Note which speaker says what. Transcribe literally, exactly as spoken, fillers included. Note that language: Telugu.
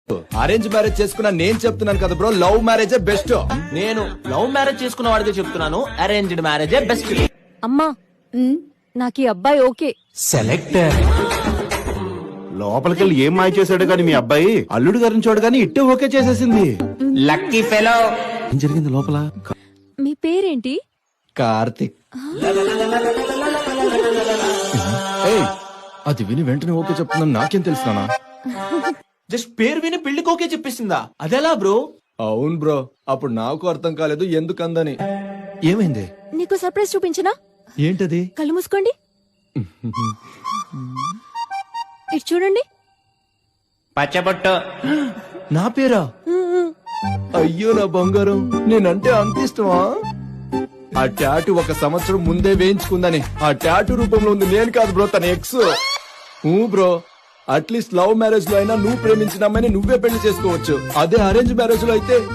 Speaker 1: అరేంజ్ మ్యారేజ్ చేసుకున్నా నేను చెప్తున్నాను కదా బ్రో, లవ్ మ్యారేజే బెస్ట్.
Speaker 2: నేను లవ్ మ్యారేజ్ చేసుకున్న వాడిగా చెప్తున్నాను, అరేంజ్డ్ మ్యారేజే బెస్ట్.
Speaker 3: అమ్మా నాకు ఈ అబ్బాయి ఓకే.
Speaker 2: సెలెక్టర్
Speaker 4: లోపలికెళ్ళి ఏం మాయ చేశాడు గాని మీ అబ్బాయి అల్లుడు గారిని చూడు గాని ఇట్టే ఓకే చేసేసింది.
Speaker 2: Lucky fellow.
Speaker 4: ఏం జరిగింది లోపల?
Speaker 3: మీ పేరేంటి?
Speaker 1: కార్తిక్. ఏయ్, అది విని వెంటనే ఓకే చెప్తున్నాను, నాకేం తెలుసునా?
Speaker 2: జస్ట్ పేరు విని పెళ్లికి ఓకే చెప్పేసిందా? అదెలా బ్రో?
Speaker 1: అవును బ్రో, అప్పుడు నాకు అర్థం కాలేదు ఎందుకందని. ఏమైంది?
Speaker 3: నీకు సర్ప్రైజ్ చూపించనా?
Speaker 1: ఏంటది?
Speaker 3: కళ్ళు మూసుకోండి. ఇటు చూడండి.
Speaker 2: పచ్చబొట్టు.
Speaker 1: నా పేరా? అయ్యో నా బంగారం, నేనంటే అంత ఇష్టమా? ఆ టాటూ ఒక సంవత్సరం ముందే వేయించుకుందని. ఆ టాటూ రూపంలో ఉంది నేను కాదు బ్రో, తన ex. Bro, at least love marriage లో అయినా నువ్వు ప్రేమించిన అమ్మాయిని నువ్వే పెళ్లి చేసుకోవచ్చు. అదే అరేంజ్ మ్యారేజ్ లో అయితే